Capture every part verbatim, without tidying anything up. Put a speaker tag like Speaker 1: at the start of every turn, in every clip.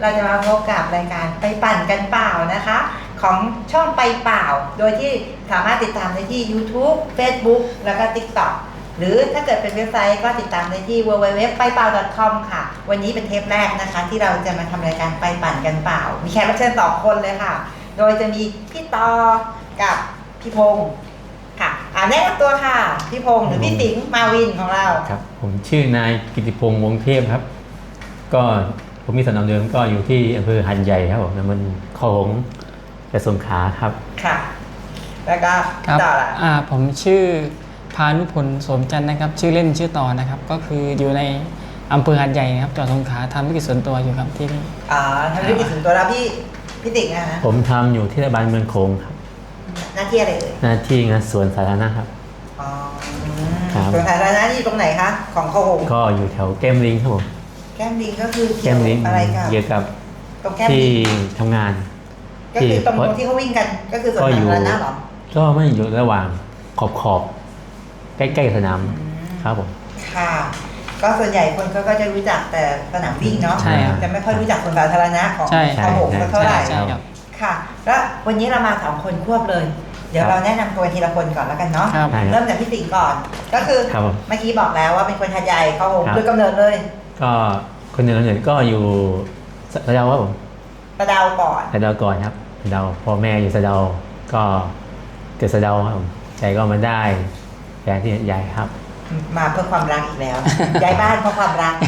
Speaker 1: เราจะมาพบกับรายการไปปั่นกันเปล่านะคะของช่องไปเปล่าโดยที่สามารถติดตามได้ที่ YouTube Facebook แล้วก็ TikTok หรือถ้าเกิดเป็นเว็บไซต์ก็ติดตามได้ที่ ดับเบิลยู ดับเบิลยู ดับเบิลยู ดอท ไปเปล่า ดอท คอม ค่ะวันนี้เป็นเทปแรกนะคะที่เราจะมาทำรายการไปปั่นกันเปล่ามีแขกรับเชิญสองคนเลยค่ะโดยจะมีพี่ตอกับพี่พงศ์ค่ะอ่าแนะนำตัวค่ะพี่พงศ์หรือพี่สิงห์มาวินของเรา
Speaker 2: ครับผมชื่อนายกิติพงษ์วงเทพครับก็ผมมีสำนักเดิมก็อยู่ที่อำเภอหัดใหญ่ครับผมมันคลองจังหวัดสงขลาครับ
Speaker 1: ค่ะแล้วก็ต่อละ
Speaker 3: อ่าผมชื่อพานุพลโสมจันทร์นะครับชื่อเล่นชื่อต่อนะครับก็คืออยู่ในอำเภอหัดใหญ่นะครับจังหวัดสงขลาทำธุรกิจส่วนตัวอยู่ครับที่นี่
Speaker 1: อ๋อทำธุรกิจส่วนตัวแล้วพี่พี่ติ๋งนะฮะ
Speaker 2: ผมทำอยู่ที่เทศบาลเมืองโขงครับ
Speaker 1: หน้าที่อะไรเอ่ย
Speaker 2: หน้าที่งานสวนสาธารณะครับ
Speaker 1: อ๋อสวนสาธารณะนี่ตรงไหนคะของโขง
Speaker 2: ก็อยู่แถวแก้มลิงครับผม
Speaker 1: แก้มลิงก็คือ
Speaker 2: แก้มลิง
Speaker 1: อะไรกับ
Speaker 2: เกี่ยวกับ
Speaker 1: ตรงแก้ม
Speaker 2: ที่ทำงาน
Speaker 1: ก็คือตรงที่เขาวิ่งกันก็คือสวนสาธารณะหรอ
Speaker 2: ก็ไม่อยู่ระหว่างขอบขอบใกล้ๆสนามครับผม
Speaker 1: ค่ะก็ส่วนใหญ่คนเขาก็จะรู้จักแต่สนามวิ่งเนาะจะไม่ค่อยรู้จักสวนสาธารณะของโขงเท่าไหร่ค่ะแล้ววันนี้เรามาสองคนควบเลยเดี๋ยวเราแนะนำตัวทีละคนก่อนแล้วกันเนาะเริ่มจากพี่สิงห์ก่อนก็คือเมื่อกี้บอกแล้วว่าเป็นคนหัดใหญ่เขาโดยกำเนิดเลย
Speaker 2: ก็คนเดิมเนี่ยก็อยู่สะเดาครับผม
Speaker 1: สะเดาก่อน
Speaker 2: สะเดาก่อนครับสะเดาพ่อแม่อยู่สะเดาก็เกิดสะเดาครับผมใจก็มาได้แฟนที่ใหญ่ครับ
Speaker 1: มาเพื่อความรักอีกแล้วย้ายบ้านเพราะความรัก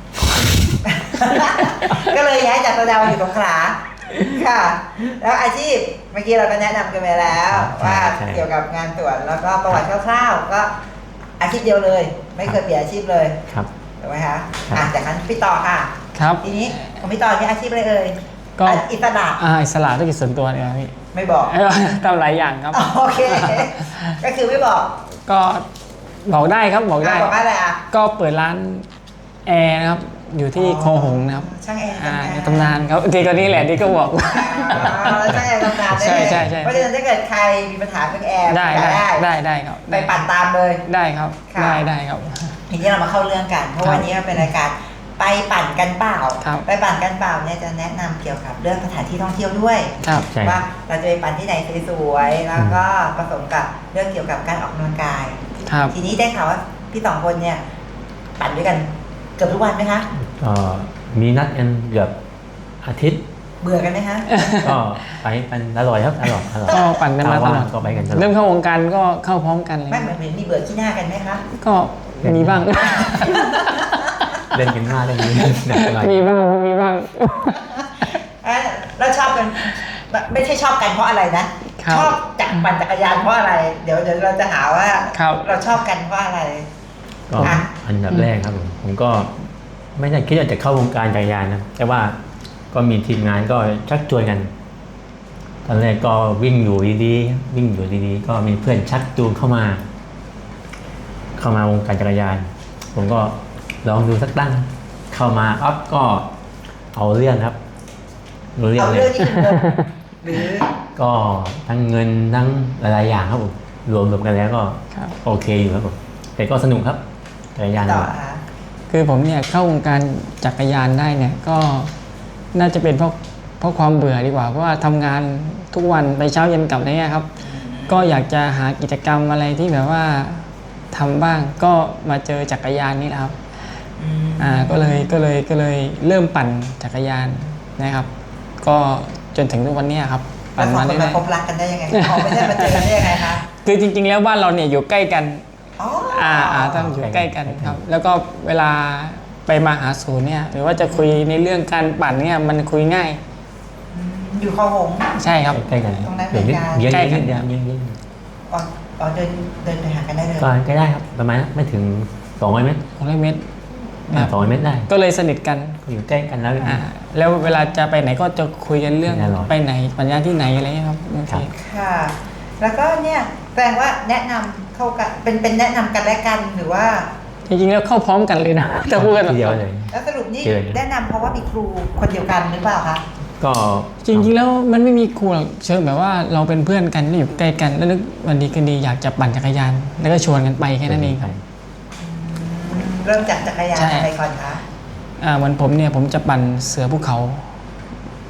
Speaker 1: ก็เลยย้ายจากสะเดาอยู่สงขลาค่ะแล้วอาชีพเมื่อกี้เราก็แนะนำกันไปแล้วว่าเกี่ยวกับงานสวนแล้วก็ประวัติคร่าวๆก็อาชีพเดียวเลยไม่เคยเปลี่ยนอาชีพเลย
Speaker 2: ครับ
Speaker 1: ถูกไหมคะอ่ะจากนั้นพี่ต่อค่ะ
Speaker 3: ครับ
Speaker 1: ทีนี้ของพี่ต่อที่อาชีพอะไรเอ่ย
Speaker 3: ก็
Speaker 1: อิสระ
Speaker 3: อ่าอิสระธุรกิจส่วนตัวเนี่ยพี่
Speaker 1: ไม่บอก
Speaker 3: ทำหลายอย่างครับ
Speaker 1: โอเคก็คือไม่บอก
Speaker 3: ก็บอกได้ครับบอกได้
Speaker 1: บอกว่าอะไรอ่ะ
Speaker 3: ก็เปิดร้านแอร์นะครับอยู่ที่คลองหงนะครับ
Speaker 1: ช่างแอร์
Speaker 3: ในตำนานครับทีก็นี่แหละที่ก็บอก
Speaker 1: ช่างแอร์ตำนาน
Speaker 3: ใช่ใช่ใช่
Speaker 1: เพราะฉะนั้นถ้าเกิดใครมีปัญหาเรื่องแอร์
Speaker 3: ได้ได้ได้ได้ครับ
Speaker 1: ไปปั่นตามเลย
Speaker 3: ได้ครับได้ได้ครับ
Speaker 1: ทีนี้เรามาเข้าเรื่องกันเพราะวันนี้เป็นรายการไปปั่นกันเปล่าไปปั่นกันเปล่าเนี่ยจะแนะนำเกี่ยวกับเรื่องสถานที่ท่องเที่ยวด้วยว่าเราจะไปปั่นที่ไหนสวยๆแล้วก็ผสมกับเรื่องเกี่ยวกับการออกกำลังกายทีนี้ได้ข่าวว่าพี่สองคนเนี่ยปั่นด้วยกันเกือบทุกวันไหมคะ
Speaker 2: ก็มีนัดกันเกือบอาทิตย์
Speaker 1: เบื่อกันไหมคะ
Speaker 2: ก็ไปกันอร่อยครับอร่อย
Speaker 3: ก็ปั่นกันมาตลอด
Speaker 2: ก็ไปกัน
Speaker 3: เริ่มเข้าวงการก็เข้าพร้อมกันเลย
Speaker 1: ไม่เหมือนมีเบื่อขี้หน้ากันไหมคะ
Speaker 3: ก็มีบ้าง
Speaker 2: เล่นกันหน้าเล่นนี้
Speaker 3: มีบ้างมีบ้าง
Speaker 1: แล้วชอบกันไม่ใช่ชอบกันเพราะอะไรนะชอบจักรปั่นจักรยานเพราะอะไรเดี๋ยวเดี๋ยวเราจะหาว่าเราชอบกันเพราะอะไร
Speaker 2: ก็อันดับแรกครับผมผมก็ไม่ได้คิดว่าจะเข้าวงการจักรยานนะแต่ว่าก็มีทีมงานก็ชักชวนกันตอนแรกก็วิ่งอยู่ดีๆวิ่งอยู่ดีๆก็มีเพื่อนชักจูงเข้ามาเข้ามาวงการจักรยานผมก็ลองดูสักตั้งเข้ามาอ๊อฟก็เอาเรื่องครับ
Speaker 1: เอาเรื่องนี่คือหรือ
Speaker 2: ก็ทั้งเงินทั้งหลายๆอย่างครับผมรวมรวมกันแล้วก็โอเคอยู่ครับผมแต่ก็สนุกครับจักรยาน
Speaker 3: คือผมเนี่ยเข้าวงการจักรยานได้เนี่ยก็น่าจะเป็นเพราะเพราะความเบื่อดีกว่าเพราะว่าทำงานทุกวันไปเช้าเย็นกลับอะไรเงี้ยครับก็อยากจะหากิจกรรมอะไรที่แบบว่าทำบ้างก็มาเจอจักรยานนี่แหละครับอ่าก็เลยก็เลยก็เลยเริ่มปั่นจักรยานนะครับก็จนถึงทุกวันนี้ครับ
Speaker 1: ปั่นมาได้พบรักกันได้ยังไงไม่ใช่มาเจอกันได้ยังไงคะ
Speaker 3: คือจริงๆแล้วบ้านเราเนี่ยอยู่ใกล้กันอ่าอ่าต้องอยู่ใกล้กันครับแล้วก็เวลาไปมาหาศูนย์เนี่ยหรือว่าจะคุยในเรื่องการปั่นเนี่ยมันคุยง่าย
Speaker 1: อยู่คลองหง
Speaker 3: ใช่ครับ
Speaker 2: ใกล้กัน
Speaker 1: ตรงนั้นเป็นการ
Speaker 2: ใกล้กันเดียวยิ่งยิ่ง
Speaker 1: อ๋อเดินเดินไปหากันได้เลย
Speaker 2: ก็ใกล้ได้ครับประมาณไม่ถึงสองร้อยเมตร
Speaker 3: สองร้อยเมตร
Speaker 2: สองร้อยเมตรได้
Speaker 3: ก็เลยสนิทกัน
Speaker 2: อยู่ใกล้กันแล้ว
Speaker 3: อ่าแล้วเวลาจะไปไหนก็จะคุยกันเรื่องไปไหนปั่นยานที่ไหนอะไรครับ
Speaker 1: ค่ะแล้วก็เนี่ยแปลว่าแนะนำเข้ากันเป็นเป็นแนะนำกันและกันหรือว่า
Speaker 3: จริงๆแล้วเข้าพร้อมกันเลยนะจะพูดกัน
Speaker 2: เดียวเลย
Speaker 1: แล้วสรุปนี่แนะนำเพราะว่ามีครูคนเดียวกันหรือเปล่าคะ
Speaker 2: ก็
Speaker 3: จริงๆแล้วมันไม่มีครูหรอกเชิงแบบว่าเราเป็นเพื่อนกันอยู่ใกล้กันแล้วนึกวันดีคืนดีอยากจะปั่นจักรยานแล้วก็ชวนกันไปแค่นั้นเองครับ
Speaker 1: เริ่มจากจักรยานอะไรก่อนคะ
Speaker 3: อ่าวันผมเนี่ยผมจะปั่นเสือภูเขา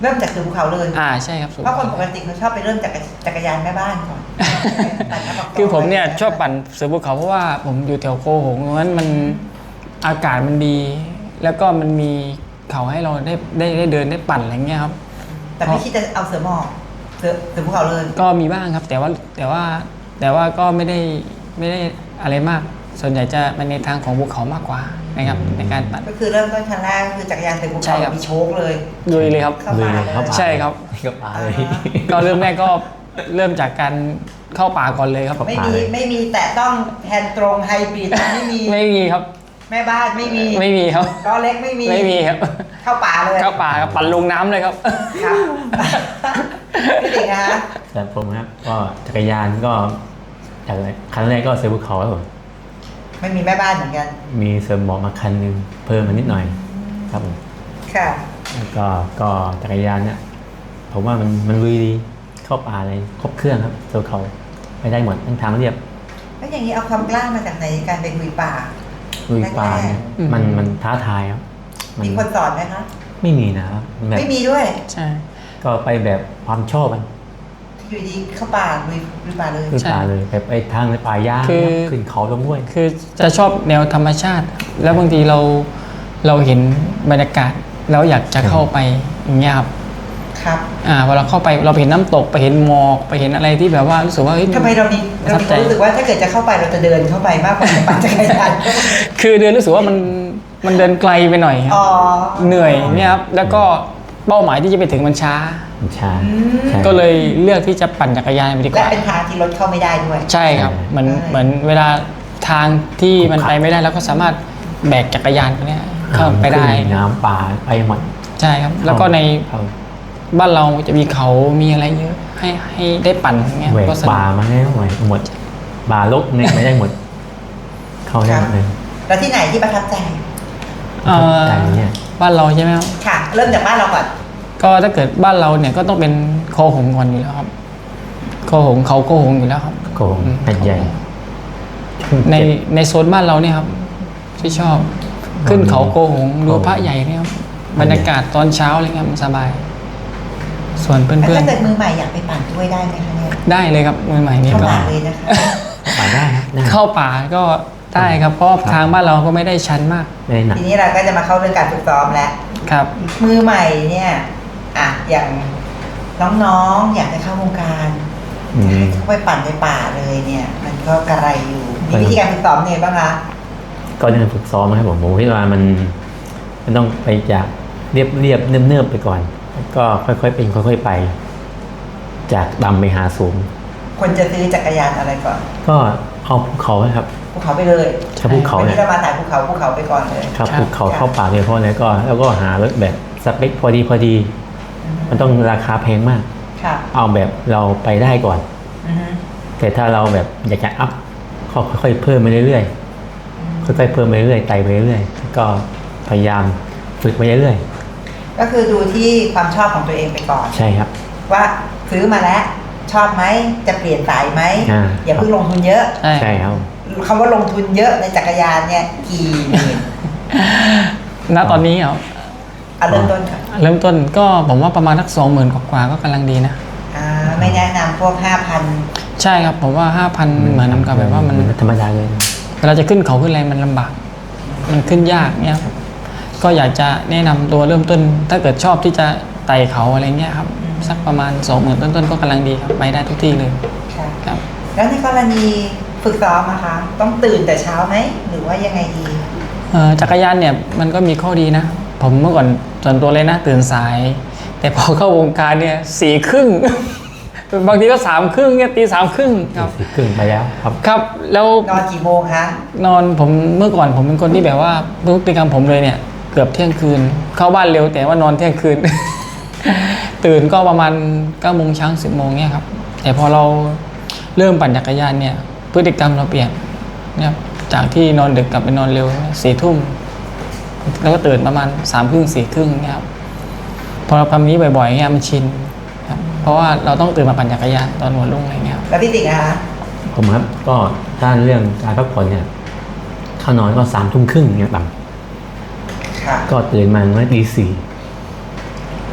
Speaker 1: เริ่มจากเสือภูเขาเลย
Speaker 3: อ่าใช่ครับสูง
Speaker 1: เพราะคนปกติเขาชอบไปเริ่มจากจักรยานแม่บ้านก่อนปั่นน้ำก
Speaker 3: คือผมเนี่ยชอบปั่นเสือภูเขาเพราะว่าผมอยู่แถวโคหงเพราะฉะนั้นมันอากาศมันดี แล้วก็มันมีเขาให้เราได้ได้ได้เดินได้ปั่นอะไรเงี้ยครับ
Speaker 1: แต่ไม่คิดจะเอาเสือหมอบเสือเสือภูเขาเลย
Speaker 3: ก็มีบ้างครับแต่ว่าแต่ว่าแต่ว่าก็ไม่ได้ไม่ได้อะไรมาก ส่วนใหญ่จะเป็นในทางของภูเขามากกว่านะครับในการปั่น
Speaker 1: ก็คือเริ่มต้นครั้งแรกก็คือจักรยานเสือภู
Speaker 3: ใช่
Speaker 1: เขา
Speaker 3: ครับ
Speaker 1: มีโชคเลย
Speaker 3: ลุยเลยครับ
Speaker 1: เข้า
Speaker 2: เล
Speaker 1: ป่าย เลย
Speaker 2: เข้าป่า
Speaker 3: ใช่ครับ
Speaker 2: เข้าป่าเลย
Speaker 3: ก็เริ่มแรกก็เริ่มจากการเข้าป่าก่อนเลยครับ
Speaker 1: ไม่มีไม่มีแต่ต้องแฮนด์ตรงไฮบริดไม่มี
Speaker 3: ไม่มีครับ
Speaker 1: แม่บ้านไม่มี
Speaker 3: ไม่มีครับ
Speaker 1: ล้อเล็กไม่มี
Speaker 3: ไม่มีครับ
Speaker 1: เข้าป่าเลย
Speaker 3: เข้าป่าครับปั่นลงน้ำเลยครับ
Speaker 1: ครับพี่ติ๋งนะคะ
Speaker 2: แต่ผมครับก็จักรยานก็จากคันแรกก็เสือภูเขาครับผม
Speaker 1: ไม่มีแม่บ้านเหมือนกัน
Speaker 2: มีเสริมหมอกมาคันหนึงเพิ่มมานิดหน่อยครับผม
Speaker 1: ค่ะ
Speaker 2: แล้วก็ก็จักรยานเนี่ยผมว่ามันมันลุยดีเข้าป่าอะไรครบเครื่องครับเสือภูเขาไปได้หมดทั้งทางเรียบ
Speaker 1: แล้วอย่างนี้เอาความกล้ามาจากไหนในการไปลุยป่า
Speaker 2: ลุยป่าเนี่ย
Speaker 3: อืม
Speaker 2: มันมันท้าทายครับมัน
Speaker 1: มีคนสอนไหมคะ
Speaker 2: ไม่มีนะครับแบบ
Speaker 1: ไม่มีด้วย
Speaker 3: ใช่
Speaker 2: ก็ไปแบบความชอบมัน
Speaker 1: อยู่ดีเข้าป่าลุยลุยป่าเลย
Speaker 2: ลุยป่าเลยแบบไปทางในป่าหญ้าขึ้นเขาลงห้วย
Speaker 3: คือจะชอบแนวธรรมชาติ แล้วบางทีเราเราเห็นบรรยากาศแล้วอยากจะเข้าไปอย่างเงี้ยครับ
Speaker 1: ครับ
Speaker 3: อ่าเวลาเข้าไปเราไปเห็นน้ำตกไปเห็นหมอกไปเห็นอะไรที่แบบว่ารู้สึกว่าเฮ้ย
Speaker 1: ทำไมเรามี
Speaker 3: ประ
Speaker 1: เรา
Speaker 3: ทับ
Speaker 1: มีค
Speaker 3: ใจ
Speaker 1: วามรู้สึกว่าถ้าเกิดจะเข้าไปเราจะเดินเข้าไปมากกว่าจะปั่นจักรยาน
Speaker 3: คือเดินรู้สึกว่ามันมันเดินไกลไปหน่อยครับ
Speaker 1: อ๋อ
Speaker 3: เหนื่อยเนี่ยครับแล้วก็เป้าหมายที่จะไปถึงมันช้า
Speaker 2: มันช้า
Speaker 1: อืม
Speaker 2: ใช่
Speaker 3: ก็เลยเลือกที่จะปั่นจักรยานไปดีก
Speaker 1: และ
Speaker 3: ว่า
Speaker 1: เป็นทางที่รถเข้าไม่ได้ด้วย
Speaker 3: ใช่ครับเหมือน
Speaker 1: ใช่
Speaker 3: เหมือนเวลาทางที่มันไปไม่ได้เราก็สามารถแบกจักรยานไปเนี่ยเข้าไปได้
Speaker 2: ขึ้นน้ำป่าไปหมด
Speaker 3: ใช่ครับ แล้วก็ใน
Speaker 2: เข้า
Speaker 3: บ้านเราจะมีเขามีอะไรเยอะให้ให้ได้ปั่นอย่างเงี้ย
Speaker 2: แหวก
Speaker 3: ก็สนุ
Speaker 2: ป่ากมาให้หมดหมดป่าลกเนี่ยไม่ได้หมด เข้าได้หมดเลย
Speaker 1: แล้วที่ไหนที่ประทับใจ
Speaker 3: เอ่อ
Speaker 2: ใจเนี่ย
Speaker 3: บ้านเราใช่ไหมครับ
Speaker 1: ค่ะ เริ่มจากบ้านเราก่อน
Speaker 3: ก็ถ้าเกิดบ้านเราเนี่ยก็ต้องเป็นโคหงก่อนอยู่แล้วครับโคหงเขาโคหงอยู่แล้วครับ
Speaker 2: โกงแผ่นใหญ่
Speaker 3: ในในโซนบ้านเราเนี่ยครับที่ชอบขึ้นเขาโกหงดูพระใหญ่เนี่ยครับบรรยากาศตอนเช้าอะไรเงี้ยมันสบาย ส่วนเพื่
Speaker 1: แล้ว
Speaker 3: อน
Speaker 1: ถ้าเกิดมือใหม่อยากไปปั่นด้วยได้ไหมคะเนี่ย
Speaker 3: ๆได้เลยครับมือใหม่นี่
Speaker 1: เข้า
Speaker 3: ก็
Speaker 1: ป่าเลยนะคะ
Speaker 2: ป่าได้ครับได้
Speaker 3: เข้าป่าก็ได้ครับเพราะทางบ้านเราก็ไม่ได้ชันมาก
Speaker 2: ไม่ได้หนัก
Speaker 1: ทีนี้เราก็จะมาเข้าเรื่องการฝึกซ้อมแล้ว
Speaker 3: ครับ
Speaker 1: มือใหม่เนี่ย อ่ะ อย่างน้องๆ อยากจะเข้าวงการ
Speaker 2: อืม
Speaker 1: เข้าไปปั่นในป่าเลยเนี่ย มันก็กระไรอยู่ มีวิธีการฝึกซ้อมเนี่ยบ้างคะ
Speaker 2: ก็เรื่องฝึกซ้อมนะครับผมผมคิดว่ามันมันต้องไปจากเรียบเรียบเนิบเนิบๆไปก่อนแล้วก็ค่อยๆเป็นค่อย ๆไป จากต่ำไปหาสูง
Speaker 1: ควรจะซื้อจักรยานอะไรก่อน
Speaker 2: ก็เอาภูเขานะครับ
Speaker 1: ภูเขาไปเลย
Speaker 2: ถ้าภูเขา
Speaker 1: วัน
Speaker 2: เนี่ย
Speaker 1: นี้เรามาถ่ายภูเขาภูเขาไปก่อนเลย
Speaker 2: ครับ
Speaker 3: ครับ
Speaker 2: ภูเขาเข้าป่าเลยเพราะอะไรก็ แล้วก็หารถแบบสเปคพอดีพอดี มันต้องราคาแพงมาก
Speaker 1: ค่ะ
Speaker 2: เอาแบบเราไปได้ก่อน
Speaker 1: อือฮึ
Speaker 2: แต่ถ้าเราแบบอยากจะอัพก็ค่อยๆเพิ่มไปเรื่อยๆค่อยๆเพิ่มไปเรื่อยๆไต่ไปเรื่อยๆก็พยายามฝึกไปเรื่อย
Speaker 1: ก็คือดูที่ความชอบของตัวเองไปก่อน
Speaker 2: ๆใช่ครับ
Speaker 1: ว่าซื้อมาแล้วชอบไหมจะเปลี่ยนสายไหม
Speaker 2: อ่า
Speaker 1: อย่าเพิ่งลงทุนเยอะ
Speaker 3: ใช่
Speaker 2: ใช่ครับ
Speaker 1: คำว่าลงทุนเยอะในจักรยานเนี่ยกี่หมื่น
Speaker 3: ณตอนนี้เหรอ
Speaker 1: เอาเริ่มต้นค่ะ
Speaker 3: เริ่มต้นก็ผมว่าประมาณสักสองหมื่นกว่าๆก็กำลังดีนะ
Speaker 1: อ่าไม่แนะนำพวกห้าพัน
Speaker 3: ใช่ครับผมว่าห้าพันเหมือนน้ำกับแบบว่ามัน
Speaker 2: ธรรมดาเลย
Speaker 3: เวลาจะขึ้นเขาขึ้นอะไรมันลำบาก มันขึ้นยากเนี่ยครับก็อยากจะแนะนำตัวเริ่มต้น ถ้าเกิดชอบที่จะไต่เขาอะไรเงี้ยครับสักประมาณสองหมื่นต้นๆก็กำลังดีครับไปได้ทุกที่เลย
Speaker 1: ค่ะ
Speaker 3: ครับ
Speaker 1: แล้วในกรณีฝึกซ้อมนะคะ ต้องตื่นแต่เช้าไหมหรือว่ายังไงดี
Speaker 3: เอ่อจักรยานเนี่ยมันก็มีข้อดีนะ ผมเมื่อก่อนส่วนตัวเลยนะตื่นสาย แต่พอเข้าวงการเนี่ยสี่ครึ่ง บางทีก็สามครึ่งเนี่ยตีสามครึ่งครับ
Speaker 2: สิบครึ่งไปแล้วครับ
Speaker 3: ครับแล้ว
Speaker 1: นอนกี่โมงคะ
Speaker 3: นอนผมเมื่อก่อนผมเป็นคนที่แบบว่าพฤติกรรมผมเลยเนี่ยเกือบเที่ยงคืน เข้าบ้านเร็วแต่ว่านอนเที่ยงคืน ตื่นก็ประมาณเก้าโมงเช้าสิบโมงเนี่ยครับแต่พอเราเริ่มปั่นจักรยานเนี่ยพฤติกรรมเราเปลี่ยนเนี่ยครับจากที่นอนดึกกลับไปนอนเร็วสี่ทุ่มแล้วก็ตื่นประมาณสามครึ่งสี่ครึ่งเนี่ยครับพอเราทำนี้บ่อยๆเนี่ยมันชินครับเพราะว่าเราต้องตื่นมาปั่นจักรยานตอนหัวรุ่งอะไรเงี้ยครับ
Speaker 1: แล้วพี่ติ๋งนะคะ
Speaker 2: ผมครับก็ถ้าเรื่องการพักผ่อนเนี่ยเข้านอนก็สามทุ่มครึ่งเนี่ยต่
Speaker 1: ค่ะ
Speaker 2: ำก็ตื่นมาเมื่อตีสี่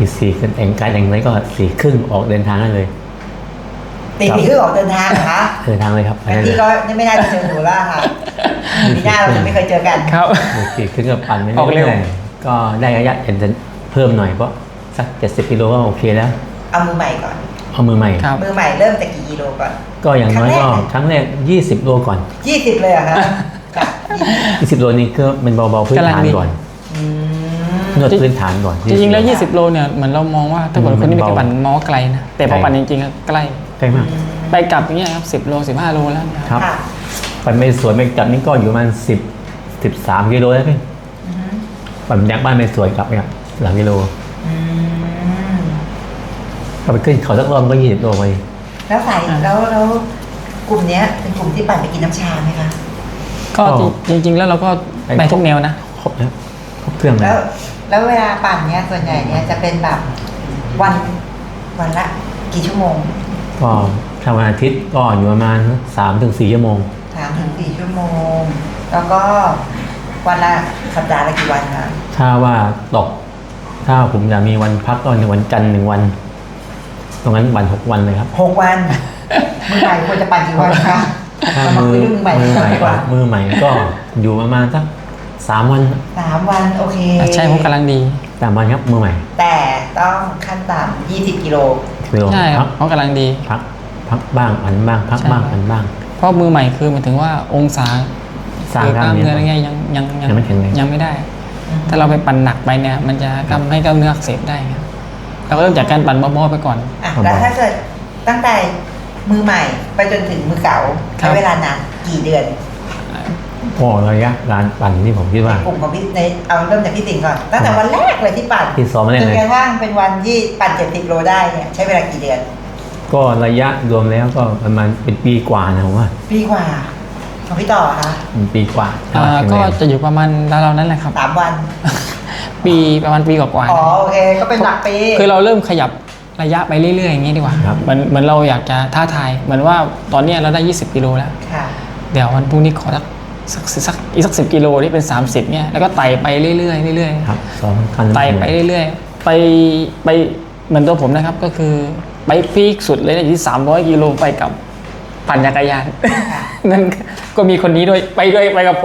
Speaker 2: ตีสี่ขึ้นแต่งกายแต่งไรก็สี่ครึ่งออกเดินทางได้เลย
Speaker 1: ตีสี่ครึ่งออกเดินทางเหรอคะ
Speaker 2: เดินทางเลยครับไปได้เล
Speaker 1: พี่
Speaker 2: ย
Speaker 1: ก็ไม่น่าจะเจอหนูแล้วค่ะปีหน้าเราจะไม่เคยเจอกัน
Speaker 3: ครับ
Speaker 2: สี่ครึ่งกับปั่นไม่
Speaker 3: ออกเร็ว
Speaker 2: ได้ก็ได้ระยะจะเพิ่มหน่อยเพราะสักเจ็ดสิบกิโลก็โอเคแล้ว
Speaker 1: เอามือใหม่ก่อน
Speaker 2: เอามือใหม่
Speaker 3: ครับ
Speaker 1: มือใหม่เริ่มจากกี่กิโลก่อน
Speaker 2: ก็อย่างน้อยก็ครั้งแรกยี่สิบโลก่อน
Speaker 1: ยี่สิบเลยเหรอคะจ้ะ
Speaker 2: ยี่สิบโลนี้ก็เป็นเบาๆพื้น
Speaker 3: กำลัง
Speaker 2: ฐาน
Speaker 3: ดี
Speaker 2: ก่อน
Speaker 1: อืม
Speaker 2: นวดพื้นฐานก่อน
Speaker 3: จริงๆ แล้ว ยี่สิบ โลเนี่ยเหมือนเรามองว่าถ้าเกิดคนที่ไม่เคยปั่นมองว่าไกลนะ แต่พอ
Speaker 2: ไกล
Speaker 3: ปั่นจริงๆก็ใกล้
Speaker 2: ใกล้มาก
Speaker 3: ไปกลับอย่างเงี้ยครับสิบโลสิบห้าโลแล้วนะ
Speaker 2: ครับ
Speaker 1: ค่ะ
Speaker 2: ปั่นไปสวนไปกลับนี่ก็อยู่ประมาณสิบสิบสามกิโลแล้วพี่
Speaker 1: อือฮึ
Speaker 2: ปั่นจากบ้านไปสวนกลับเนี่ยหลังกิโล
Speaker 1: อืม
Speaker 2: ก็ไปขึ้นเขาสักรอบก็ยี่สิบโลไป
Speaker 1: แล้วสายแล้วแล้วกลุ่มเนี้ยเป็นกลุ่มที่ปั่นไปกินน้ำชาไหมคะ
Speaker 3: ก็จริงๆ แล้วเราก็ไปทุกแนวนะ
Speaker 2: ครบแล้วครบเครื่องแล้
Speaker 1: แล้ว วแล้วเวลาปั่นเนี้ยส่วนใหญ่เนี้ยจะเป็นแบบวันวันละกี่ชั่วโมง
Speaker 2: ก็ถ้าวันอาทิตย์ก็อยู่ประมาณสามถึงสี่ชั่วโมง
Speaker 1: สามถึงสี่ชั่วโมง แล้วก็วันละสัปดาห์ละกี่วันคะ
Speaker 2: ถ้าว่าตก ถ้าผมอยากมีวันพักก็ในวันจันทร์หนึ่งวัน ตรงนั้นวันหกวันเลยครับ
Speaker 1: หกวัน มือใหม่ควรจะปั่นกี่วันคะ
Speaker 2: ถ้า
Speaker 1: เรามา
Speaker 2: มื
Speaker 1: คุ
Speaker 2: อย
Speaker 1: เรื่องมือใหม่
Speaker 2: มือใหม่
Speaker 1: ดีกว่า
Speaker 2: มือใหม่ก็อยู่ประมาณสักสามวัน
Speaker 1: สามวันโอเค
Speaker 3: ใช่ผมกำลังดี
Speaker 2: สามวันครับมือใหม่
Speaker 1: แต่ต้องขั้นต่ำยี่สิบกิโล
Speaker 2: กิโล
Speaker 3: ใช่ค
Speaker 2: พั
Speaker 3: รับ
Speaker 2: ก
Speaker 3: เขากำลังดี
Speaker 2: พักพักบ้างอันบ้าง พัก
Speaker 3: ใช่
Speaker 2: บ้างอันบ้าง
Speaker 3: เพราะมือใหม่คือหมายถึงว่าองศา
Speaker 2: สร้าง
Speaker 3: หรือก
Speaker 2: ล้า
Speaker 3: ล้าม ม
Speaker 2: เนื้
Speaker 3: เนื้
Speaker 2: อ
Speaker 3: ออะไรเงี้ยยังยัง
Speaker 2: ยังไม่แข็งแรง
Speaker 3: ยังไม่ได้ ถ้าเราไปปั่นหนักไปเนี่ย มันจะทำให้กล้ามเนื้ออักเสบได้ครับเราก็เริ่มจากการปั่นเบาๆไปก่อน
Speaker 1: อ่ะแล้วถ้าเกิดตั้งแต่มือใหม่ไปจนถึงมือเก่า
Speaker 3: ครั
Speaker 1: ใช้
Speaker 3: บ
Speaker 1: เวลานานกี่เดือน
Speaker 2: ก็ระยะการปั่นที่ผมคิดว่า
Speaker 1: กลุ่มของพี่ในเอาเริ่มจากพี่สิงห์ก่อนตั้งแต่วันแรกเลยที่ปั่น
Speaker 2: ที่ซ้อมแรก
Speaker 1: จ
Speaker 2: เลย
Speaker 1: นกระทั่งเป็นวันที่ปั่นเจ็ดสิบโลได้เนี่ยใช้เวลากี่เดือน
Speaker 2: ก็ระยะรวมแล้วก็ประมาณเป็นปีกว่านะผมว่า
Speaker 1: ปีกว่าของพี่ต่อคะ
Speaker 2: เป็นปีกว่า
Speaker 3: อ่า
Speaker 2: แข็ง
Speaker 3: ก็
Speaker 2: แรง
Speaker 3: จะอยู่ประมาณราวๆนั้นแหละครับ
Speaker 1: สามวัน
Speaker 3: ปีประมาณปีกว่าๆ
Speaker 1: อ๋อ
Speaker 3: นะ
Speaker 1: โอเคก็เป็นหลักปี
Speaker 3: คือเราเริ่มขยับระยะไปเรื่อยๆอย่างนี้ดีกว่า
Speaker 2: ครับ
Speaker 3: เหมือนเหมือนเราอยากจะท้าทาย เหมือนว่าตอนเนี้ยเราได้ ยี่สิบ กิโลแล้ว
Speaker 1: ค่ะ
Speaker 3: เดี๋ยววันพรุ่งนี้ขอสักสักสักอีกสักสิบกิโลที่เป็น สามสิบเนี่ยแล้วก็ไต่ไปเรื่อยๆเรื่อย
Speaker 2: ครับซ้อมขั้น
Speaker 3: ๆไต่ไปเรื่อยๆ ไปไปเหมือนตัวผมนะครับก็คือไปพีคสุดเลยนะอยู่ที่ สามร้อย กิโลไปกับปั่นจักรยาน
Speaker 1: ค่ะ
Speaker 3: นั่นก็มีคนนี้ด้วยไปด้วยไปกับผม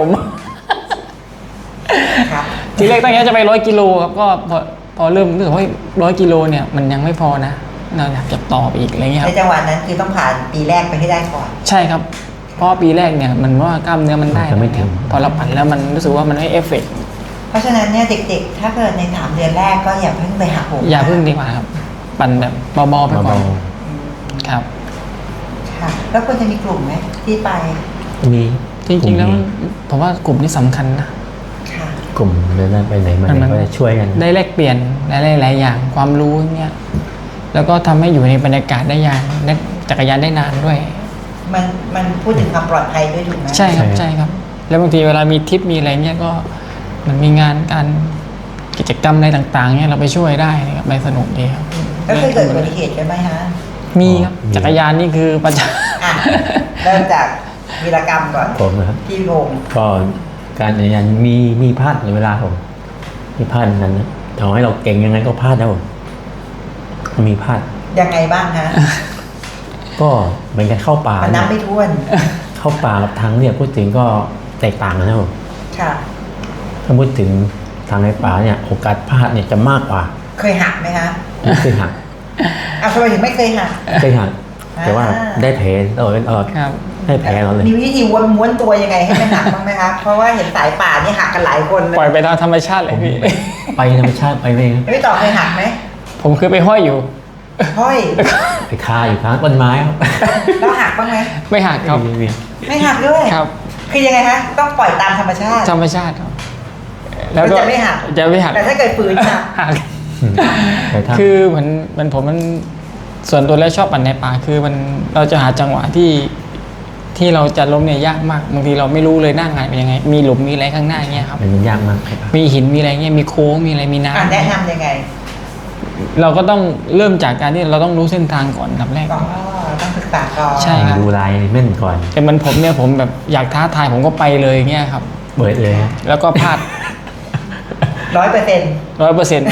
Speaker 1: ครับ
Speaker 3: ทีแรกตั้งใจจะไปร้อยกิโลครับก็พอพอเริ่มรู้สึกว่าร้อยกิโลเนี่ยมันยังไม่พอนะเราอยากจะต่อไปอีกอะไรเงี้ยค
Speaker 1: ใน
Speaker 3: รับ
Speaker 1: จังหวะนั้นคือต้องผ่านปีแรกไปให้ได้ก่อน
Speaker 3: ใช่ครับ เพราะว่าปีแรกเนี่ยมันว่ากล้ามเนื้อมันได้
Speaker 2: จะไม่ถึง
Speaker 3: พอเราปั่นแล้วมันรู้สึกว่ามันไม่เอฟเฟกต์
Speaker 1: เพราะฉะนั้นเนี่ยเด็กๆ ถ้าเกิดในสามเดือนแรกก็อย่าเพิ่งไปหักโหม
Speaker 3: อย่าเพิ่งดีกว่าครับ ปั่นแบบเบาๆไปก่อน
Speaker 2: เบา
Speaker 1: อืม
Speaker 3: ครับ
Speaker 1: ค่ะ แล้วควรจะมีกลุ่มไหมที่ไป
Speaker 2: ๆมี
Speaker 3: จริงๆแล้ว
Speaker 2: กลุ่ม
Speaker 3: ผมว่ากลุ่มนี้สำคัญนะ
Speaker 1: ค่ะ
Speaker 2: กลุ่มเดินไปไหนมา
Speaker 3: มัน
Speaker 2: ไหน
Speaker 3: มัน
Speaker 2: ก็จะช่วยกัน
Speaker 3: ได้แลกเปลี่ยนหลายๆอย่างความรู้เนี่ยแล้วก็ทำให้อยู่ในบรรยากาศได้ยานได้จักรยานได้นานด้วย
Speaker 1: มันมันพูดถึงความปลอดภัยด้วยถูกไหม
Speaker 3: ใช่ครับใช่ครับ แล้วบางทีเวลามีทริปมีอะไรเงี้ยก็มันมีงานการกิจกรรมอะไรต่างๆเนี่ยเราไปช่วยได้นะครับไปสนุกดีครับ
Speaker 1: แล้วเคยเกิดอุบัติเหตุกันไหมฮะ
Speaker 3: มีครับจักรยานนี่คือประจ
Speaker 1: อ่ะ เริ่มจากวีรกรรมก่อน
Speaker 2: ผมนะครับ
Speaker 1: พี่พงศ์
Speaker 2: ก็การจักรยานมีมีพลาดในเวลาผมมีพลาดนั้นนะต่อให้เราเก่งยังไงก็พลาดนะผมมีพลาด
Speaker 1: ยังไงบ้างฮะ
Speaker 2: ก็เหมือนกันเข้าป่า
Speaker 1: มันนับไม่ถ้วน
Speaker 2: เข้าป่ากับทางเนี่ยพูดถึงก็แตกต่างกันนะผม
Speaker 1: ค่ะ
Speaker 2: ถ้าพูดถึงทางในป่าเนี่ยโอกาสพลาดเนี่ยจะมากกว่า
Speaker 1: เคยหักไหมฮะ
Speaker 2: ไม่เคยหัก
Speaker 1: อ่ะทำไมถึงไม่เคยหัก
Speaker 2: เคยหักแต่ว่า
Speaker 1: อ่า
Speaker 2: ได้แผลตลอดตลอด
Speaker 3: ำครับ
Speaker 2: ได้แผลเราเลย
Speaker 1: มีวิธีวนม้วนตัวยังไงให้ไม่หักบ้างไหมคะ เพราะว่าเห็นสายป่านี่หักกันหลายคนเล
Speaker 3: ปล่อย ยไปตามธรรมชาติเลยพี่
Speaker 2: ไปธรรมชาติไปเอง
Speaker 1: พี่ต่อเคยหักไหม
Speaker 3: ผมคือไปห้อยอยู่
Speaker 1: ห้อย
Speaker 2: ไปคาอยู่ข้างต้นไม้ครับ
Speaker 1: แล้วหักบ้างไหม
Speaker 3: ไม่หักครับ
Speaker 2: มีมี
Speaker 1: ไม่หักด้วย
Speaker 3: ครับ
Speaker 1: คือยังไงคะต้องปล่อยตามธรรมชาติ
Speaker 3: ธรรมชาติครับแล้วก็
Speaker 1: จะไม่หัก
Speaker 3: จะไม่หัก
Speaker 1: แต่ถ้าเกิดฝืนหัก
Speaker 3: หัก
Speaker 2: แต่ถ้า
Speaker 3: คือเหมือนเหมันผมมันส่วนตัวแล้วชอบปั่นในป่าคือมันเราจะหาจังหวะที่ที่เราจะล้มเนี่ยยากมากบางทีเราไม่รู้เลยหน้างานเป็นยังไง มีหลุมมีอะไรข้างหน้าเงี้ยครับ
Speaker 2: มันยากมากครับ
Speaker 3: มีหินมีอะไรเงี้ยมีโค้งมีอะไรมี
Speaker 1: อ่ะ
Speaker 3: น้ำ
Speaker 1: แนะนำยังไง
Speaker 3: เราก็ต้องเริ่มจากการที่เราต้องรู้เส้นทางก่อนอันดับแรก
Speaker 1: อ๋อต้องศึกษาก่อน
Speaker 3: ใช่ครับ
Speaker 2: ดูลายแม่นก่อน
Speaker 3: แต่มันผมเนี่ยผมแบบอยากท้าทายผมก็ไปเลยเงี้ยครับ
Speaker 2: เบิดเลยครับ
Speaker 3: แล้วก็พลาด
Speaker 1: ร้อยเปอร์เซ็นต์
Speaker 3: ร้อยเปอร์เซ็นต์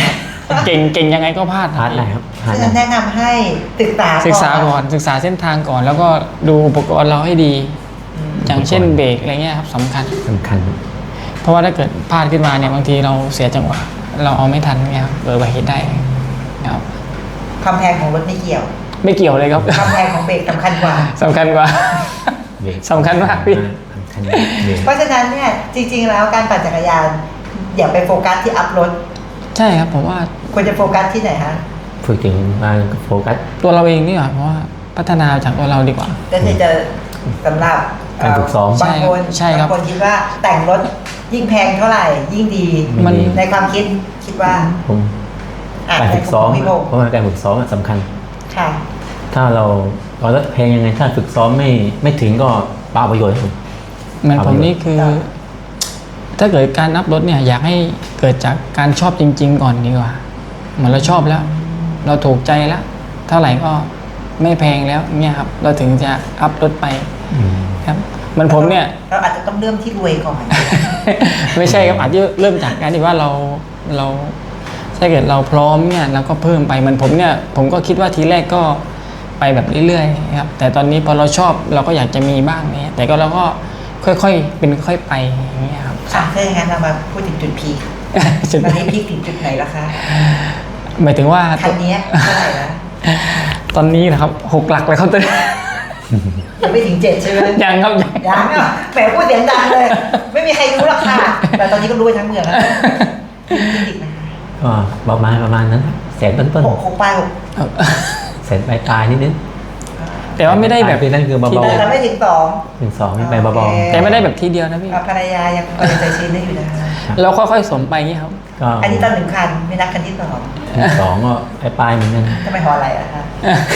Speaker 3: เก่งเก่งยังไงก็พลาด
Speaker 2: พลาดได้ครับพลาด
Speaker 1: ฉะ
Speaker 2: ได้
Speaker 1: นั้นแนะนำให้ศึกษา
Speaker 3: ศึกษาก่อนศึกษาเส้นทางก่อน แล้วก็ดูอุปกรณ์เราให้ดี
Speaker 1: อืม
Speaker 3: อย่างเช่นเบรกอะไรเงี้ยครับสำคัญ
Speaker 2: สำคัญ
Speaker 3: เพราะว่าถ้าเกิดพลาดขึ้นมาเนี่ยบางทีเราเสียจังหวะเราเอาไม่ทันเนี่ยครับเกิดอุบัติเหตุได้ครับ
Speaker 1: ความแพงของรถไม่เกี่ยว
Speaker 3: ไม่เกี่ยวเลยครับ
Speaker 1: ความแพงของเบรกสำคัญกว่า
Speaker 3: สำคัญกว่า
Speaker 2: เบรก
Speaker 3: สำคัญมากพี่
Speaker 2: สำคัญเบรก
Speaker 1: เพราะฉะนั้นเนี่ยจริงๆแล้วการปั่นจักรยานอย่าไปโฟกัสที่อัพรถ
Speaker 3: ใช่ครับผมว่า
Speaker 1: ควรจะโฟกัสที่ไหนฮะ
Speaker 2: ฝึกถึงมาโฟกัส
Speaker 3: ตัวเราเองนี่หว่าเพราะว่าพัฒนาจากตัวเราดีกว่า
Speaker 1: ก็คือจะสำหรับ
Speaker 2: การฝึกซ้อม
Speaker 1: บางคน
Speaker 3: ใช่ครับ
Speaker 1: บางคนคิดว่าแต่งรถยิ่งแพงเท่าไหร่ ยิ่งดี
Speaker 3: มัน
Speaker 2: ดี
Speaker 1: ในความคิดคิดว่า
Speaker 2: ผม
Speaker 1: อ่ะ
Speaker 2: การฝึกซ้อม
Speaker 1: ในมุมของพี่พงษ์
Speaker 2: เพราะว่าการฝึกซ้อมสำคัญ
Speaker 1: ค่ะ
Speaker 2: ถ้าเราเราลดเพลงยังไงถ้าฝึกซ้อมไม่ไม่ถึงก็เปล่าประโยชน์ครับผม
Speaker 3: เหมือนผมนี่คือ
Speaker 1: ครับ
Speaker 3: ถ้าเกิดการอัพรถเนี่ยอยากให้เกิดจากการชอบจริง ๆ ก่อนดีกว่า เหมือนเราชอบแล้ว เราถูกใจแล้ว เท่าไหร่ก็ไม่แพงแล้วเนี่ยครับ เราถึงจะอัพรถไป
Speaker 2: อืม
Speaker 3: ครับเหมันผมเนี่ย
Speaker 1: เราอาจจะต้องเริ่มที่รวยก่อน
Speaker 3: ไม่ใช่ครับอาจจะเริ่มจากการที่ว่าเราเราถ้าเกิดเราพร้อมเนี่ยเราก็เพิ่มไปเหมันผมเนี่ยผมก็คิดว่าทีแรกก็ไปแบบเรื่อยๆครับแต่ตอนนี้พอเราชอบเราก็อยากจะมีบ้างเนี่ยแต่ก็เราก็ค่อยๆเป็นค่อยไปอย่างเงี้ยครับ
Speaker 1: ค่ะถ้าอย่างนั้นเรามาพูดถึงจุดพีค
Speaker 3: จุด
Speaker 1: ตอนนี้พีคถึงจุดไหนแล้วคะ
Speaker 3: หมายถึงว่า
Speaker 1: คันนี้เท่าไหร่แล้ว
Speaker 3: ตอนนี้นะครับหกหลักเลยครับตอนนี้
Speaker 1: ยังไม่ถึงเจ็ดใช่ไหม
Speaker 3: ยังครับยัง
Speaker 1: ยังอ่ะแหมพูดเสียงดังเลย ไม่มีใครรู้หรอกค่ะ แต่ตอนนี้ก็รู้ไปทั้งเมืองแล้วจริงๆนะคะ
Speaker 2: ก็ประมาณประมาณนั้นแสนต้น
Speaker 1: หกหกปลายหก
Speaker 2: ๆแสนปลายปลายนิดนิด
Speaker 3: แต่ว่าไม่ได้แบบ
Speaker 2: นั่นคือเบา
Speaker 1: แต่เราไม่ถึงสอง
Speaker 2: ๆหนึ่งสองนี่ไปเบา
Speaker 1: โอเค
Speaker 3: แต่ไม่ได้แบบทีเดียวนะพี่
Speaker 1: อ่ะภรรยายังพอใจชื้นได้อยู่นะคะ
Speaker 3: เราค่อยๆสมไปอย่างเงี้ยครับ
Speaker 2: ๆก็
Speaker 1: อันนี้ตอนหนึ่งคันไม่นับคันที่สอง
Speaker 2: หนึ่งสองก็ปลายปลายๆเหมือนกัน
Speaker 1: ทำไมหออะไรอะคะ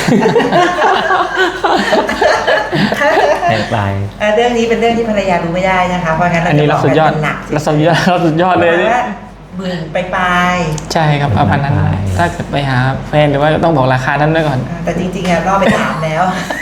Speaker 2: ปลายปลาย
Speaker 1: เอ่อเรื่องนี้เป็นเรื่องที่ภรรยารู้ไม่ได้นะคะเพราะงั้นเรา
Speaker 3: อันนี้
Speaker 1: จะ
Speaker 3: เรา
Speaker 1: บอก
Speaker 3: สุดยอด
Speaker 1: กันหนัก
Speaker 3: เราสุดยอดเราสุดยอดเลย
Speaker 1: ประมาณ
Speaker 3: นี่
Speaker 1: ว่าหมื่นไปปลาย
Speaker 3: ใช่ครับประมาณนั้น ถ้าเกิดไปหาแฟนหรือว่าต้องบอกราคานั้นไว้ก่อน
Speaker 1: อ่าแต่จริงๆอะรอบไปถามแล้ว